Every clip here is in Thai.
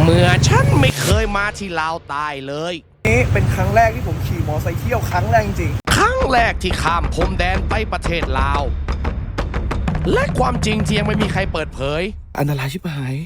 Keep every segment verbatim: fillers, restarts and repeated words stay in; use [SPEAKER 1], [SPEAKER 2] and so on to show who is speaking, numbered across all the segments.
[SPEAKER 1] เมื่อฉันไม่เคยมาที่ลาวใต้เลย
[SPEAKER 2] นี่เป็นครั้งแรกที่ผมขี่มอเตอร์ไซค์เที่ยวครั้งแรกจริง
[SPEAKER 1] ครั้งแรกที่ข้ามพรมแดนไปประเทศลาวและความจริงที่ยังไม่มีใครเปิดเผย
[SPEAKER 2] อันตรายชิบหาย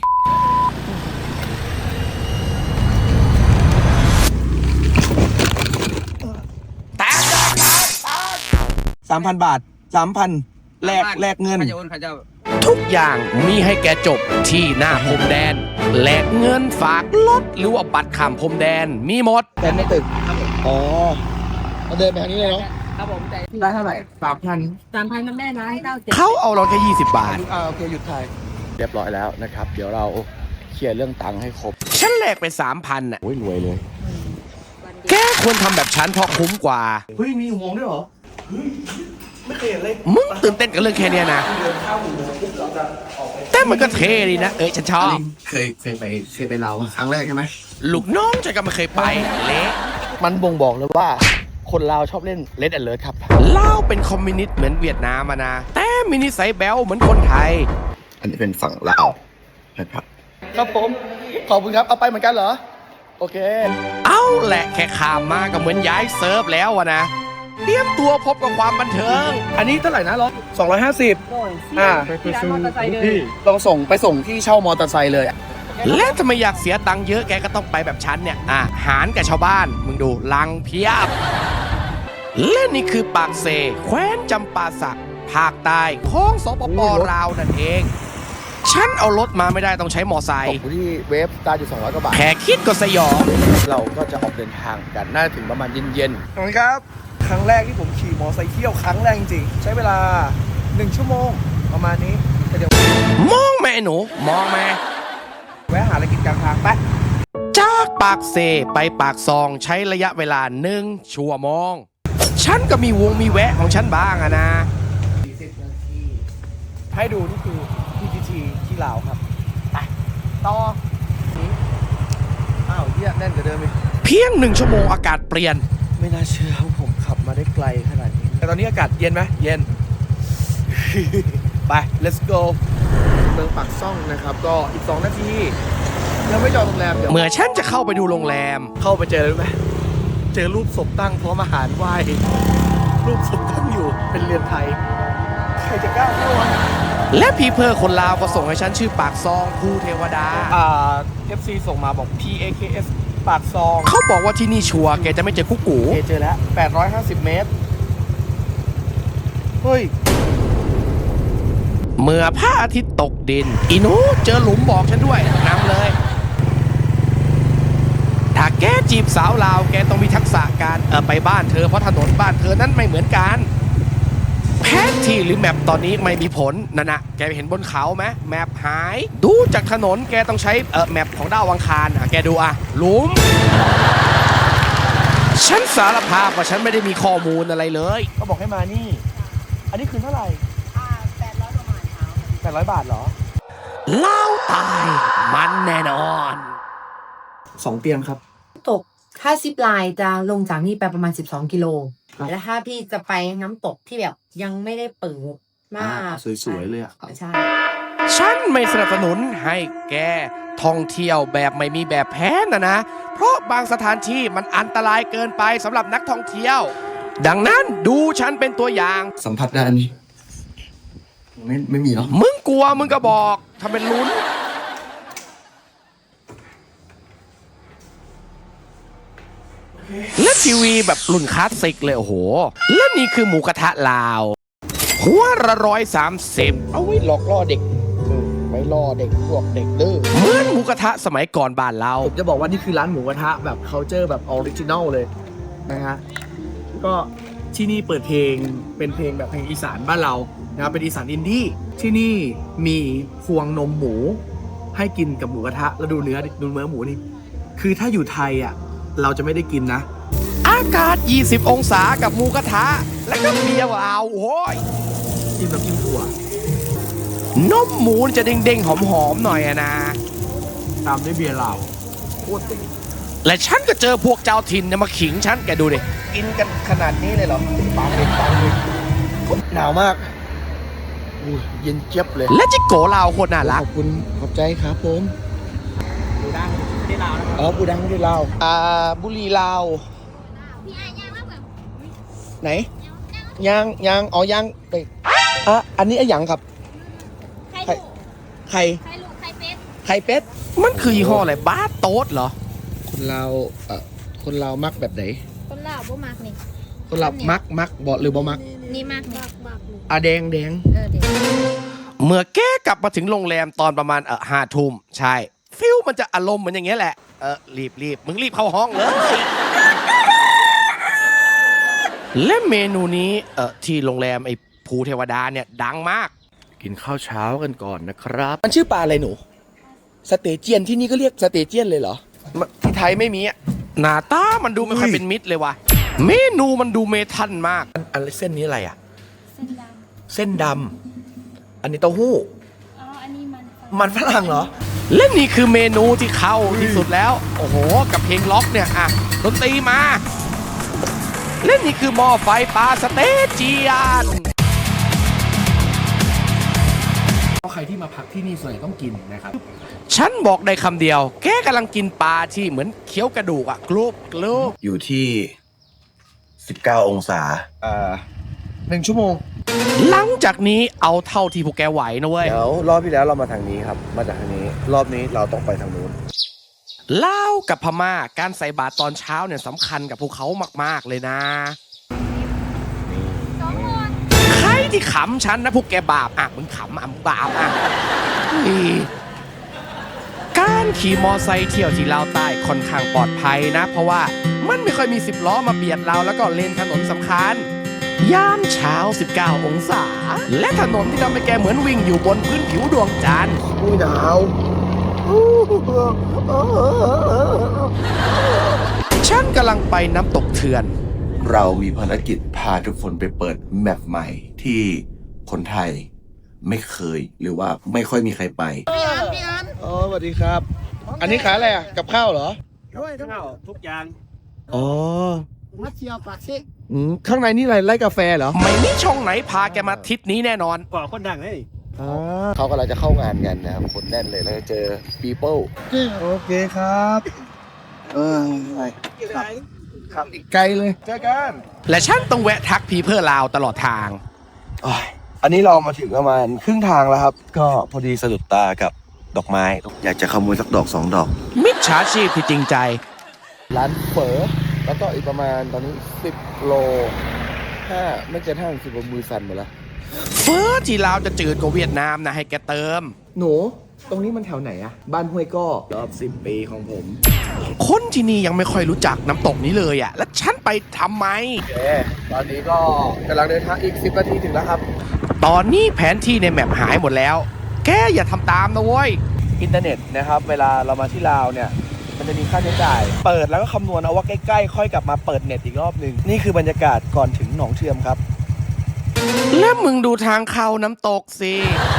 [SPEAKER 1] แต่
[SPEAKER 2] สามพันบาทสามพันแลกแลกเงิน
[SPEAKER 1] ทุกอย่างมีให้แกจบที่หน้าพรมแดนแลกเงินฝากรถหรือว่าบัตรข้ามพรมแดนมีหมด
[SPEAKER 2] แต่ไม่ตึกอ๋อเราเดินไปทางนี้เลยเนาะ
[SPEAKER 3] ครับผมใจ
[SPEAKER 2] ได้เท่าไหร่สามพัน
[SPEAKER 3] สามพันมันแม่นะให้เก้าเจ็ด
[SPEAKER 1] เขาเอาเราแค่ยี่สิบบาท
[SPEAKER 2] อ่าโอเคหยุดถ่าย
[SPEAKER 4] เรียบร้อยแล้วนะครับเดี๋ยวเราเคลียร์เรื่องตังค์ให้ครบ
[SPEAKER 1] ฉันแลกไปสามพันอ่ะ
[SPEAKER 4] โอ้ยรวยเลย
[SPEAKER 1] แกควรทำแบบฉันเพราะคุ้มกว่า
[SPEAKER 2] เฮ้ยมีอุโมงค์ด้วยเหรอเฮ้ยไม่เคยเห็นเลย
[SPEAKER 1] มึงตื่นเต้นกับเรื่องแค่นี้นะแต่มันก็เท่ดีนะเอ้ยฉันชอบ
[SPEAKER 4] เคยเคยไปเคยไปลาวครั้งแรกใช่ไหม
[SPEAKER 1] ลูกน้องฉันก็ไม่เคยไปเละ
[SPEAKER 4] มันบ่งบอกเลยว่าคนลาวชอบเล่นเลดแอนเลิร์ครับ
[SPEAKER 1] ลาวเป็นคอมมิวนิสต์เหมือนเวียดนามนะแต่มินิสัยแบลเหมือนคนไทย
[SPEAKER 4] อันนี้เป็นฝั่งลาวนะครับ
[SPEAKER 2] ครับผมขอบคุณครับเอาไปเหมือนกันเหรอโอเค
[SPEAKER 1] เอาแหละแค่ข้ามมาก็เหมือนย้ายเซิร์ฟแล้ววะนะเตรียมตัวพบกับความบันเทิง
[SPEAKER 2] อันนี้เท่าไหร่นะร้อยสองร้อยห้าสิบ
[SPEAKER 3] อ่าที่ร้านมอเตอร์ไซค์เลย
[SPEAKER 2] ลองส่งไปส่งที่เช่ามอเตอร์ไซค์เลย
[SPEAKER 1] และถ้าไม่อยากเสียตังค์เยอะแกก็ต้องไปแบบฉันเนี่ยอ่ะหารกับชาวบ้านมึงดูลังเพียบและนี่คือปากเซแคว้นจำปาสักภาคใต้ของสปป.ลาวนั่นเองฉันเอารถมาไม่ได้ต้องใช้มอไซค์
[SPEAKER 4] ที่เวฟตาอยู่สองร้อยกว่าบาท
[SPEAKER 1] แค่คิดก็สยอง
[SPEAKER 4] เราก็จะออกเดินทางกันน่าถึงประมาณเย็น
[SPEAKER 2] ๆขอบคุณครับครั้งแรกที่ผมขี่มอเตอร์ไซค์เที่ยวครั้งแรกจริงๆใช้เวลาหนึ่งชั่วโมงประมาณนี้เดี๋ยว
[SPEAKER 1] มองแม่หนูมองแม่
[SPEAKER 2] แวะหาอะไรกินกลางทางไป
[SPEAKER 1] จากปากเซไปปากซองใช้ระยะเวลาหนึ่งชั่วโมงฉันก็มีวงมีแวะของฉันบ้างอะนะ
[SPEAKER 2] ให้ดูนี่คือ พี ที ที ที่ลาวครับไปต่อนี้อ้าวเยี่ยแน่นกว่าเดิมอีก
[SPEAKER 1] เพียงหนึ่งชั่วโมงอากาศเปลี่ยน
[SPEAKER 2] ไม่น่าเชื่อว่าผมขับมาได้ไกลขนาดนี้แต่ตอนนี้อากาศเย็นไหมเย็น ไป let's go เมืองปากซ่องนะครับก็อีกสองนาทียังไม่จองโรงแรมเดี๋ยว
[SPEAKER 1] เมื่อฉันจะเข้าไปดูโรงแรม
[SPEAKER 2] เข้าไปเจอเลยไหมเจอรูปศพตั้งพร้อมอาหารไหว้รูปศพตั้งอยู่เป็นเรือนไทยใครจะกล้าเข้าวะ
[SPEAKER 1] และพีเพอร์คนลาวก็ส่งให้ฉันชื่อปากซองภูเทวดา
[SPEAKER 2] อ่า เอฟ ซี ส่งมาบอก พี เอ เค เอส ปากซอง
[SPEAKER 1] เขาบอกว่าที่นี่ชัวร์แกจะไม่เจอกุ๊กกู
[SPEAKER 2] เจอแล้วแปดร้อยห้าสิบเมตรเฮ้ย
[SPEAKER 1] เมื่อพระอาทิตย์ตกดินอีนูเจอหลุมบอกฉันด้วยนำเลยถ้าแกจีบสาวลาวแกต้องมีทักษะการเออไปบ้านเธอเพราะถนนบ้านเธอนั้นไม่เหมือนกันแผนที่หรือแมปตอนนี้ไม่มีผลนั่นนะแกเห็นบนเขาไหมแมปหายดูจากถนนแกต้องใช้เออแมปของดาวอังคารอ่ะแกดูอ่ะหลุมฉันสารภาพว่าฉันไม่ได้มีข้อมูลอะไรเลย
[SPEAKER 2] ก็บอกให้มานี่อันนี้คืนเท่าไหร่
[SPEAKER 3] อ่าแปดร้อยประมาณเช้า
[SPEAKER 2] แปดร้อยบาทเหรอ
[SPEAKER 1] เล่าตายมันแน่นอน
[SPEAKER 2] สองเตียงครับ
[SPEAKER 3] ตกถ้าซิปไลน์จะลงจากนี่ไปประมาณสิบสองกิโลแล้วถ้าพี่จะไปน้ำตกที่แบบยังไม่ได้เปิดมาก
[SPEAKER 2] สวยๆเลยอ่ะ
[SPEAKER 3] ใช่
[SPEAKER 1] ฉันไม่สนับสนุนให้แกท่องเที่ยวแบบไม่มีแบบแผนนะนะเพราะบางสถานที่มันอันตรายเกินไปสำหรับนักท่องเที่ยวดังนั้นดูฉันเป็นตัวอย่าง
[SPEAKER 4] สัมผัสได้อันนี้ไม่ไม่มีเนาะ
[SPEAKER 1] มึงกลัวมึงก็บอกทำเป็นลุ้นและทีวีแบบรุ่นคลาสสิกเลยโอ้โหและนี่คือหมูกระทะลาวหัวละร้อยสามสิบ
[SPEAKER 4] เอาไว้หลอกล่อเด็กไว้ล่อเด็กพวกเด็กดื้อ
[SPEAKER 1] เหมือนหมูกระทะสมัยก่อนบ้านเรา
[SPEAKER 2] ผมจะบอกว่านี่คือร้านหมูกระทะแบบเคาน์เตอร์แบบออริจินัลเลยนะฮะก็ที่นี่เปิดเพลงเป็นเพลงแบบเพลงอีสานบ้านเรานะครับเป็นอีสานอินดี้ที่นี่มีพวงนมหมูให้กินกับหมูกระทะแล้วดูเนื้อดูเนื้อหมูนี่คือถ้าอยู่ไทยอ่ะเราจะไม่ได้กินนะ
[SPEAKER 1] อากาศยี่สิบองศากับหมูกระทะแล้วก็เบียร์ว้าวโอ้ย
[SPEAKER 2] กินแบบกินถั่
[SPEAKER 1] วนมหมูจะเด้งๆหอมๆหน่อยอะนะ
[SPEAKER 2] ตามด้วยเบียร์เหล้าโคตรดี
[SPEAKER 1] และฉันก็เจอพวกเจ้าถิ่นเนี่ยมาขิงฉันแกดูดิ
[SPEAKER 2] กินกันขนาดนี้เลยเหรอปากเล็กปากเล็กหนาวมากอุ้ยเย็นเจี๊ยบเลย
[SPEAKER 1] และจิโกะเราโคตรน่ารัก
[SPEAKER 2] ขอบคุณขอบใจครับผมดูดังอ๋อบูดังที่ลาวอ่าบุรีลาวไหนยางยางอ๋อยางไปอ่ะอันนี้ไอ้หยังครับ
[SPEAKER 5] ไข่ลูก
[SPEAKER 2] ไข่
[SPEAKER 5] ไข่ลูกไข่เป็ด
[SPEAKER 2] ไข่เป็ด
[SPEAKER 1] มันคือยี่ห้ออะไรบาสโต๊ดเหรอ
[SPEAKER 2] คนเราเอ่อคนเรามักแบบไหน
[SPEAKER 5] คนลาวบ่มากนี่
[SPEAKER 2] คนเรามักมักบอกหรือบ่มัก
[SPEAKER 5] นี่มากนี่
[SPEAKER 2] อ่ะแดงแดง
[SPEAKER 5] เออเดี๋ยว
[SPEAKER 1] เมื่อแกกลับมาถึงโรงแรมตอนประมาณเออห้าทุ่มใช่ฟิลมันจะอารมณ์เหมือนอย่างเงี้ยแหละเออรีบรีบมึงรีบเข้าห้องเลยและเมนูนี้เออที่โรงแรมไอ้ภูเทวดาเนี่ยดังมาก
[SPEAKER 4] กินข้าวเช้ากันก่อนนะครับ
[SPEAKER 2] มันชื่อปลาอะไรหนู สเตเจียนที่นี่ก็เรียกสเตเจียนเลยเหรอ ที่ไทยไม่มีอ่ะ
[SPEAKER 1] หน้าตามันดูไม่ค่อยเป็นมิตรเลยว่ะเมนูมันดูเมทัลมาก
[SPEAKER 2] อันอันเส้นนี้อะไรอ่ะ
[SPEAKER 5] เส้นด
[SPEAKER 2] เส้นดำอันนี้เต้าหู้
[SPEAKER 5] ำอ๋ออันนี้มัน
[SPEAKER 2] มันฝรั่งเหรอ
[SPEAKER 1] และนี่คือเมนูที่เข้าที่สุดแล้ว โอ้โห กับเพลงล็อกเนี่ยอ่ะดนตรีมาและนี่คือหม้อไฟปลาสเตเจียน
[SPEAKER 2] ใครที่มาพักที่นี่ส่วนใหญ่ต้องกินนะครับ
[SPEAKER 1] ฉันบอกได้คำเดียว แกกำลังกินปลาที่เหมือนเคี้ยวกระดูกอะกรุบกรุบ
[SPEAKER 6] อยู่ที่สิบเก้าองศา
[SPEAKER 2] อ่าหนึ่งชั่วโมง
[SPEAKER 1] หลังจากนี้เอาเท่าที่พวกแกไหวนะเว้ย
[SPEAKER 4] เดี๋ยวรอบที่แล้วเรามาทางนี้ครับ มาจากทางนี้ รอบนี้เราต้องไปทางนู้น
[SPEAKER 1] ลาวกับพม่าการใส่บาตรตอนเช้าเนี่ยสำคัญกับพวกเขามากๆเลยนะ
[SPEAKER 5] สองคน
[SPEAKER 1] ใครที่ขำฉันนะพวกแกบาปอ่ะมึงขำอ่ะมึงบาปอ่ะนี่การขี่มอไซค์เที่ยวที่ลาวใต้ค่อนข้างปลอดภัยนะ เพราะว่ามันไม่ค่อยมีสิบล้อมาเบียดเราแล้วก็เลนถนนสำคัญยามเช้าสิบเก้าองศา และถนนที่ทำให้แกเหมือนวิ่งอยู่บนพื้นผิวดวงจันทร์
[SPEAKER 2] อุ้ยหนาว
[SPEAKER 1] ฉันกำลังไปน้ำตกเถื่อน
[SPEAKER 6] เรามีภารกิจพาทุกคนไปเปิดแมปใหม่ที่คนไทยไม่เคยหรือว่าไม่ค่อยมีใครไป
[SPEAKER 2] อ๋อสวัสดีครับ อันนี้ขายอะไรอ่ะ กับข้าวเหรอ
[SPEAKER 7] ด้วยข้าวทุกอย่าง
[SPEAKER 2] อ๋อ
[SPEAKER 7] มัดเชียวปากซิ
[SPEAKER 2] อืมข้างในนี่อะไรไร่กาแฟเหรอ
[SPEAKER 1] ไม่มีช่องไหนพาแกมาทิศนี้แน่นอน
[SPEAKER 7] ก่อคนดังเลย
[SPEAKER 2] อ๋อ
[SPEAKER 4] เขากำลังจะเข้างานกันนะครับ คนแน่นเลย แล้วจะเจอ people
[SPEAKER 2] โอเคครับ เออไปครับครับอีกไกลเลย เจอกัน
[SPEAKER 1] และฉันต้องแวะทักพีเพื่อลาวตลอดทาง
[SPEAKER 6] อันนี้เรามาถึงประมาณครึ่งทางแล้วครับ ก็พอดีสะดุดตากับดอกไม้ อยากจะขโมยสักดอกสองดอก
[SPEAKER 1] มิจฉาชีพที่จริงใจ
[SPEAKER 4] ร้านเฝอแล้วก็อีกประมาณตอนนี้สิบโลห้าไม่เกินห้าสิบมือสั่นหมดแล้ว
[SPEAKER 1] เฟ้อที่ลาวจะจืดกว่าเวียดนามนะให้แกเติม
[SPEAKER 2] หนู ตรงนี้มันแถวไหนอะบ้านห้วยก้อรอบสิบปีของผม
[SPEAKER 1] คนที่นี่ยังไม่ค่อยรู้จักน้ำตกนี้เลยอ่ะ แล้วฉันไปทำไม
[SPEAKER 2] โอเค ตอนนี้ก็กำลังเดินทางอีกสิบนาทีถึงแล้วครับ
[SPEAKER 1] ตอนนี้แผนที่ในแมปหายหมดแล้ว แกอย่าทำตามนะเว้ย
[SPEAKER 2] อินเทอร์เน็ตนะครับ เวลาเรามาที่ลาวเนี่ย มันจะมีค่าใช้จ่าย เปิดแล้วก็คำนวณเอาว่าใกล้ๆ ค่อยกลับมาเปิดเน็ตอีกรอบหนึ่ง นี่คือบรรยากาศก่อนถึงหนองเทือมครับ
[SPEAKER 1] แล้วมึงดูทางเข้าน้ำตกสิ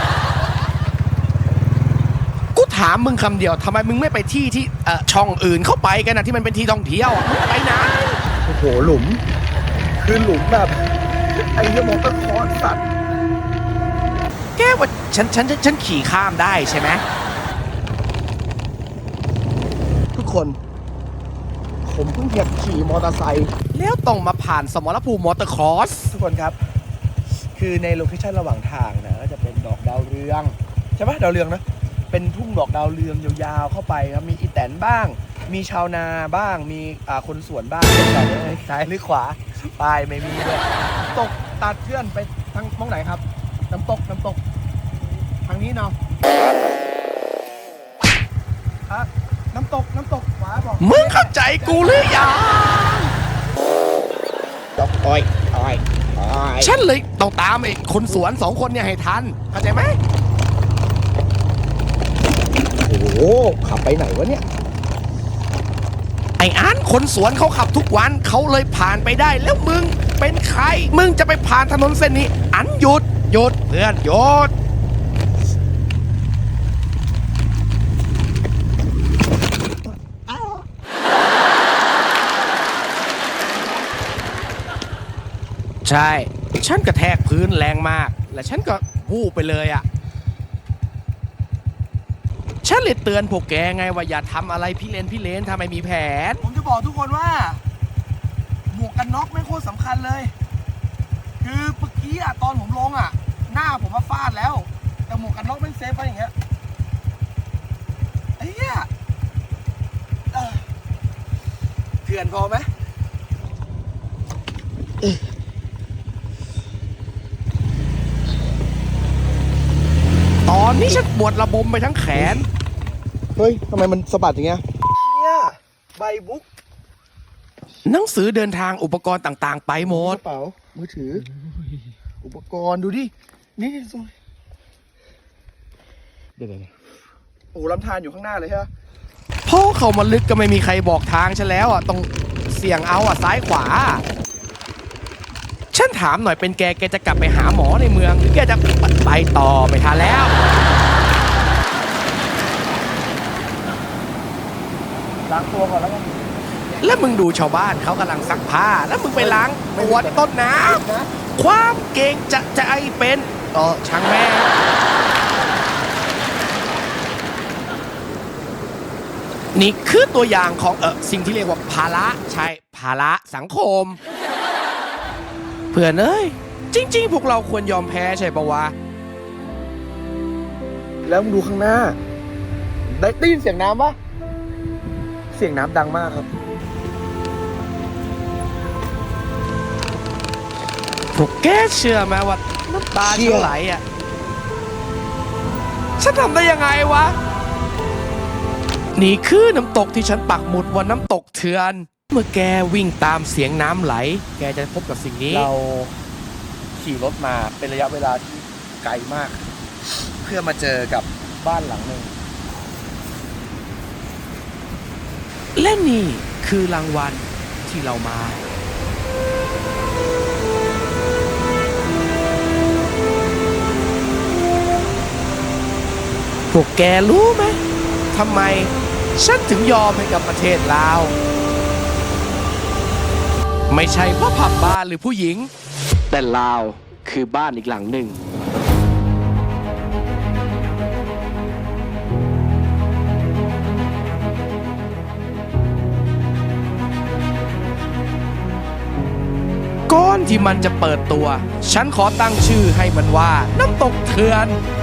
[SPEAKER 1] กูถามมึงคำเดียวทำไมมึงไม่ไปที่ที่เอ่อช่องอื่นเข้าไปกันนะที่มันเป็นที่ท่องเที่ยวอะมึงไปไหน
[SPEAKER 2] โอ้โห หลุม คือหลุมแบบ ไอ้เหี้ยมองตะคอนสัตว์
[SPEAKER 1] แกว่าฉันฉันฉันฉันขี่ข้ามได้ใช่ไหม
[SPEAKER 2] ทุกคน ผมเพิ่งเหยียบขี่มอเตอร์ไซค์
[SPEAKER 1] แล้วต้องมาผ่านสมรภูมิมอเตอร์ครอส
[SPEAKER 2] ทุกคนครับ คือในโลเคชั่นระหว่างทางนะก็จะเป็นดอกดาวเรือง ใช่ปะดาวเรืองนะ เป็นทุ่งดอกดาวเรืองยาวๆเข้าไปครับ มีอีแตนบ้าง มีชาวนาบ้าง มีอ่าคนสวนบ้างแต่เลยซ้ายหรือขวาปลายไม่มีเลยตกตัดเพื่อนไปทางมองไหนครับ น้ำตกน้ำตก ทางนี้เนาะอ่ะน้ำตกน้ำตกขวาบอก
[SPEAKER 1] มึงเข้าใจกูหรือยัง
[SPEAKER 2] ดอกอ้อยอ้อยอ้อย
[SPEAKER 1] ฉันเลยต้องตามไอ้คนสวนสองคนเนี่ยให้ทัน เข้าใจไหม
[SPEAKER 2] โอ้โหขับไปไหนวะเนี่ย
[SPEAKER 1] ไอ้อันคนสวนเขาขับทุกวันเขาเลยผ่านไปได้แล้วมึงเป็นใคร มึงจะไปผ่านถนนเส้นนี้ อันหยุดหยุดเพื่อนหยุดใช่ ฉันกระแทกพื้นแรงมาก และฉันก็วูบไปเลยอ่ะ ฉันฉันเลยเตือนพวกแกไงว่าอย่าทำอะไรพี่เลนพี่เลนถ้าไม่มีแผน
[SPEAKER 2] ผมจะบอกทุกคนว่า หมวกกันน็อกไม่งโคตรสำคัญเลย คือเมื่อกี้อะตอนผมลงอะหน้าผมมาฟาดแล้ว แต่หมวกกันน็อกไม่งเซฟไว้อย่างเงี้ยไอ้เหี้ยเอ่อเถื่อนพอไหม
[SPEAKER 1] ตอนนี้ฉันปวดระบมไปทั้งแขน
[SPEAKER 4] เฮ้ยทำไมมันสะบัดอย่างเงี้ย
[SPEAKER 2] เนี่ยใบบุ๊ก
[SPEAKER 1] หนังสือเดินทางอุปกรณ์ต่างๆ ไปหม
[SPEAKER 4] ก
[SPEAKER 1] ด
[SPEAKER 4] ระเป๋า มือถือ อุปกรณ์ดูดิ นี่นี่ส่งเดี๋ยวๆ
[SPEAKER 2] โอ้ลำธารอยู่ข้างหน้าเลยใช่ไหม
[SPEAKER 1] พอเข้ามาลึกก็ไม่มีใครบอกทางฉันแล้วอ่ะต้องเสี่ยงเอาอ่ะซ้ายขวา ฉันถามหน่อยเป็นแกแกจะกลับไปหาหมอในเมืองหรือแกจะไปต่อไม่ทันแล้ว
[SPEAKER 2] ล้างตัวก่อนแล้วกัน
[SPEAKER 1] แล้วมึงดูชาวบ้านเขากำลังซักผ้า แล้วมึงไปล้างตัวต้นน้ำความเก่งจะจะไอเป็นต่อช่างแม่งนี่คือตัวอย่างของเออสิ่งที่เรียกว่าภาระใช่ภาระสังคม เพื่อนเอ้ย จริง ๆ พวกเราควรยอมแพ้ใช่ปะวะ
[SPEAKER 4] แล้วมึงดูข้างหน้า ได้ได้ยินเสียงน้ำปะเสียงน้ำดังมากครับ
[SPEAKER 1] พวกแกเชื่อไหมว่าน้ำตา
[SPEAKER 4] เชื่
[SPEAKER 1] ฉั
[SPEAKER 4] อ
[SPEAKER 1] นไหลอ่ะ ฉันทำได้ยังไงวะ นี่คือน้ำตกที่ฉันปักหมุดว่าน้ำตกเถื่อน เมื่อแกวิ่งตามเสียงน้ำไหล แกจะพบกับสิ่งนี้
[SPEAKER 4] เราขี่รถมาเป็นระยะเวลาที่ไกลมาก เพื่อมาเจอกับบ้านหลังหนึ่ง
[SPEAKER 1] และนี่คือรางวัลที่เรามา พวกแกรู้ไหมทำไมฉันถึงยอมให้กับประเทศลาว ไม่ใช่เพราะผับบาร์หรือผู้หญิง แต่ลาวคือบ้านอีกหลังหนึ่ง ก่อนที่มันจะเปิดตัว ฉันขอตั้งชื่อให้มันว่าน้ำตกเถื่อน